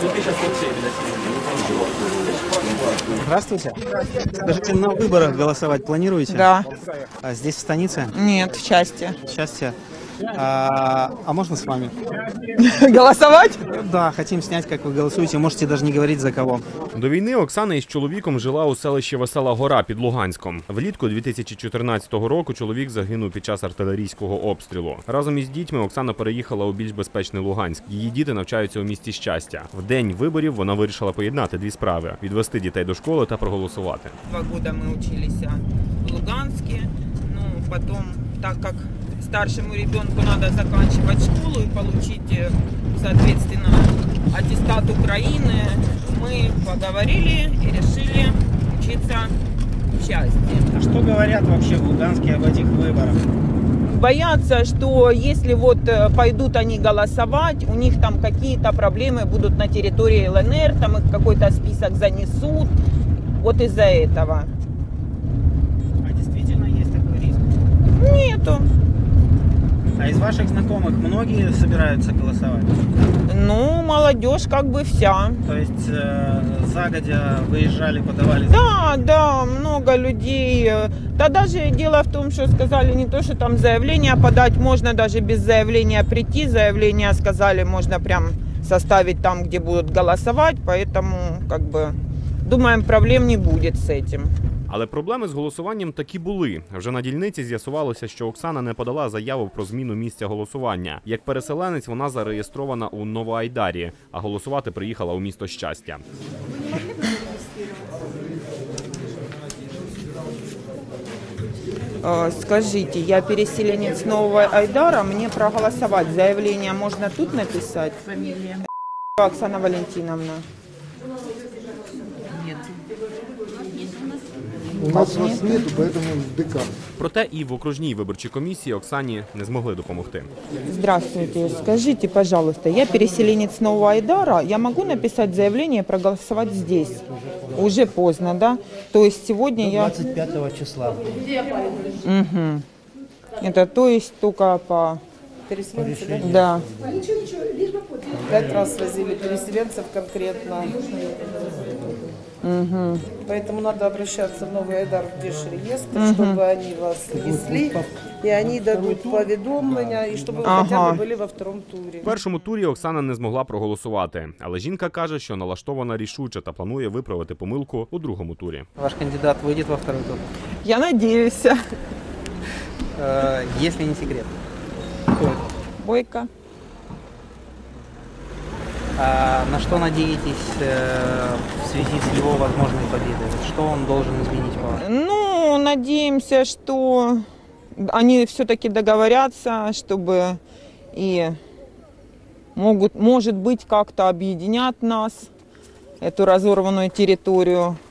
Здравствуйте. Скажите, на выборах голосовать планируете? Да. А здесь, в станице? Нет, в части. Счастье. А можно с вами? Голосовать? Да, хотим снять, как вы голосуете. Можете даже не говорить за кого. До війни Оксана із чоловіком жила у селищі Весела Гора під Луганськом. Влітку 2014 року чоловік загинув під час артилерійського обстрілу. Разом із дітьми Оксана переїхала у більш безпечний Луганськ. Її діти навчаються у місті Щастя. В день виборів вона вирішила поєднати дві справи – відвести дітей до школи та проголосувати. 2 года мы учились в Луганске. Ну, потом, так как старшему ребенку надо заканчивать школу и получить, соответственно, аттестат Украины, мы поговорили и решили учиться в Счастье. А что говорят вообще в Луганске об этих выборах? Боятся, что если вот пойдут они голосовать, у них там какие-то проблемы будут на территории ЛНР, там их какой-то список занесут, вот из-за этого. А действительно есть такой риск? Нету. А из ваших знакомых многие собираются голосовать? Ну, молодежь как бы вся. То есть загодя выезжали, подавали? Да, много людей. Да даже дело в том, что сказали не то, что там заявление подать, можно даже без заявления прийти. Заявление сказали, можно прям составить там, где будут голосовать, поэтому как бы думаем, проблем не будет с этим. Але проблеми з голосуванням таки були. Вже на дільниці з'ясувалося, що Оксана не подала заяву про зміну місця голосування. Як переселенець вона зареєстрована у Новоайдарі, а голосувати приїхала у місто Щастя. Скажите, я переселенец Нового Айдара, мне проголосовать. Заявление можно тут написать? Фамилия? Оксана Валентиновна. Нет. У нас вас нету, поэтому в ДК. Проте і в окружній виборчій комісії Оксані не змогли допомогти. Здравствуйте. Скажите, пожалуйста, я переселенец Нового Айдара, я могу написать заявление и проголосовать здесь? Уже поздно, да? То есть сегодня я... 25 числа. Угу. Это то есть только по... Переселенцы, Да. 5 раз возили переселенцев конкретно. Угу. Поэтому надо обращаться в Новый Айдар в Держреестр, чтобы они вас внесли, и они дадут поведомления, и чтобы вы хотя бы были во втором туре. В першому турі Оксана не змогла проголосувати. Але жінка каже, що налаштована рішуче та планує виправити помилку у другому турі. Ваш кандидат выйдет во второй тур? Я надеюсь. Если не секрет. Бойко. На что надеетесь в связи с его возможной победой? Что он должен изменить по вашему? Ну, надеемся, что они все-таки договорятся, чтобы и может быть, как-то объединят нас, эту разорванную территорию.